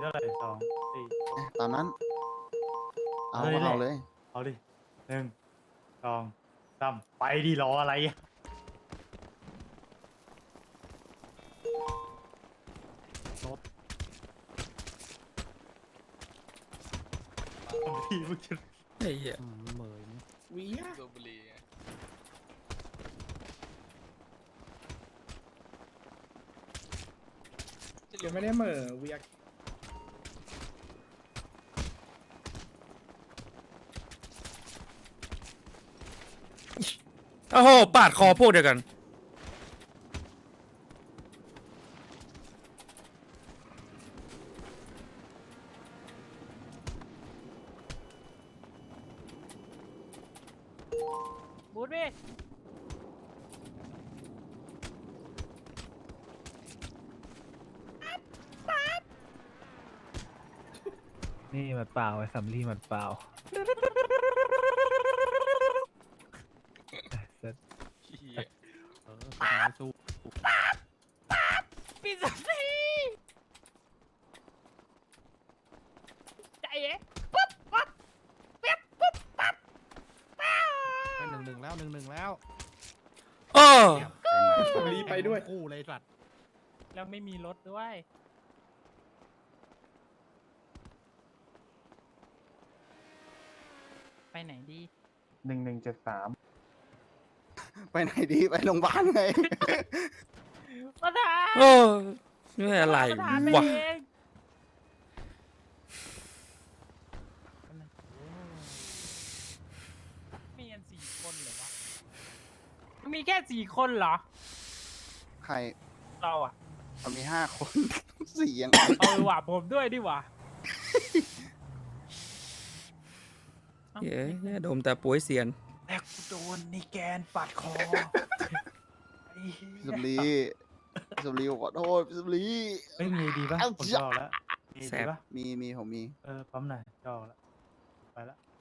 เท่าไหร่สองสี่ตามนั้น เอาเอาเลยเอาเลยเอาดิ1 2 3ไปดิรออะไรอะรถพี่มึงจะไอ้เหี้ยเหมยวิสูบบุหรี่ไงยังไม่ได้เหม่อเวียโอ้โหปาดคอพวกเดียวกันบูดพี่นี่หมัดเปล่าไอ้สำลีหมัดเปล่าเสร็จเหี้ยสู้พี่สักทีใจเอ๊ะปุ๊บปั๊บเป๊บปุ๊บปั๊บป้า 1-1แล้ว1-1แล้วเออรีไปด้วยคู่เลยสัตว์แล้วไม่มีรถด้วย ไปไหนดี 1173 ไปไหนดี ไปโรงพยาบาลไงประธานเออนี่อะไรประธานไปวะเองมีกัน4 คนเหรอวะ มีแค่4 คนเหรอใครเราอะเอามี5 คน 4ยังเออว่ะผมด้วยดิว่ะเย้ยดมแต่ป่วยเสียนแต่กูโดนนี่แกนปัดคอไอ้เหี้ยสุบลีสุบลีขอโทษสุบลีเฮ้ยมีดีป่ะเอ้าผมจะออกแล้วมีแสดีบป่ะมีผมมีปั๊มหน่อยจะออกแล้วไปละ